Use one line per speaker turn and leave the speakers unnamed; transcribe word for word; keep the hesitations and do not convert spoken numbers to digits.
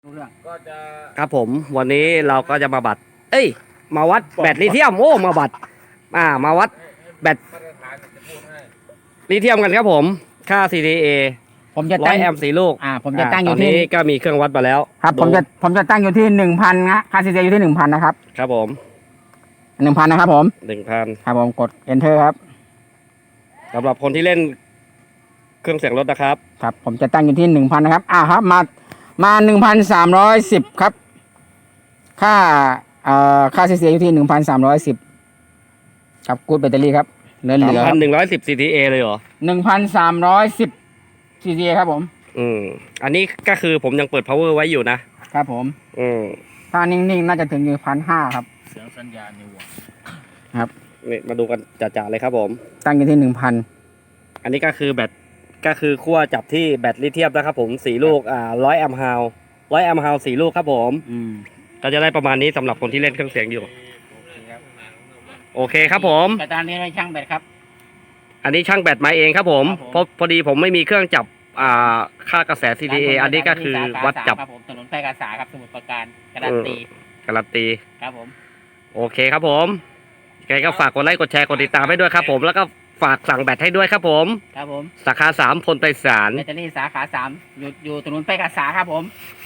รู้เรื่อง
ก็จะ
ครับผมวันนี้เราก็จะมาบัด เอ้ย มาวัดแบตลิเธียมโอ้มาบัด อ่ามาวัดแบต
มาตรฐานจะพูดให้
ลิเธียมกันครับผม ค่า ซี ที เอ
ผมจะ
ร้อ
ตั้
ย
ง
แอมป์สี่ลูก
อ่า ผมจะตั้งอ
ตอยู่ น
ที่
นี้ก็มีเครื่องวัดมาแล้ว
ครับผมจะผมจะตั้งอยู่ที่หนึ่งพันนะค่าซีเซียอยู่ที่หนึ่งพันนะครับ
ครับผม
หนึ่งพันนะครับผม
หนึ่งพัน
ครับผมกด enter ครับ
สำหรับคนที่เล่นเครื่องเสียงรถนะครับ
ครับผมจะตั้งอยู่ที่หนึ่งพันนะครับอ่าครับมามาหนึ่งพันสามร้อยสิบครับ ค่าเอ่อค่าซีเซียอยู่ที่หนึ่งพันสามร้อยสิบครับกูดแบตเตอรี่ครับเหลือเหลือ
สามพันหนึ่งร้อยสิบ ซี ที เอ เลยเหรอ
หนึ่งพันสามร้อยสิบซีเซียครับผม
อืม อันนี้ก็คือผมยังเปิด power ไว้อยู่นะ
ครับผม
อืม
ถ้านิ่งๆน่าจะถึงอยู่พันห้าครับ
เสียงสัญญาณในหัว
นี่มาดูกันจ่าๆเลยครับผม
ตั้งอยู่ที่หนึ่งพัน
อันนี้ก็คือแบต ก็คือขั้วจับที่แบตลิเธียมนะครับผมสี่ลูก อ่าร้อยแอมป์ฮาวร้อยแอมป์ฮาวสี่ลูกครับผม
อืม
ก็จะได้ประมาณนี้สำหรับคนที่เล่นเครื่องเสียงอยู่ โอเคครับผม
แต่ตอนนี้เราช่างแบตครับ
อันนี้ช่างแบตมาเองครับผม
ครับผม
เพราะพอดีผมไม่มีเครื่องจับ อ่า ค่ากระแส ซี ที เอ อันนี้ก็คือวัดจับ
ครับผมถนนแพร่กษาครับสมุทรปราการการันตี
การันตี
ครับผม
โอเคครับผมยังไงก็ฝากกดไลค์กดแชร์กดติดตามให้ด้วยครับผม แล้วก็ฝากสั่งแบตให้ด้วยครับผม
ครับผม
สาขาสามพลไพศาล
แบตเตอรี่สาขาสามอยู่อยู่ถนนแพร่กษาครับผม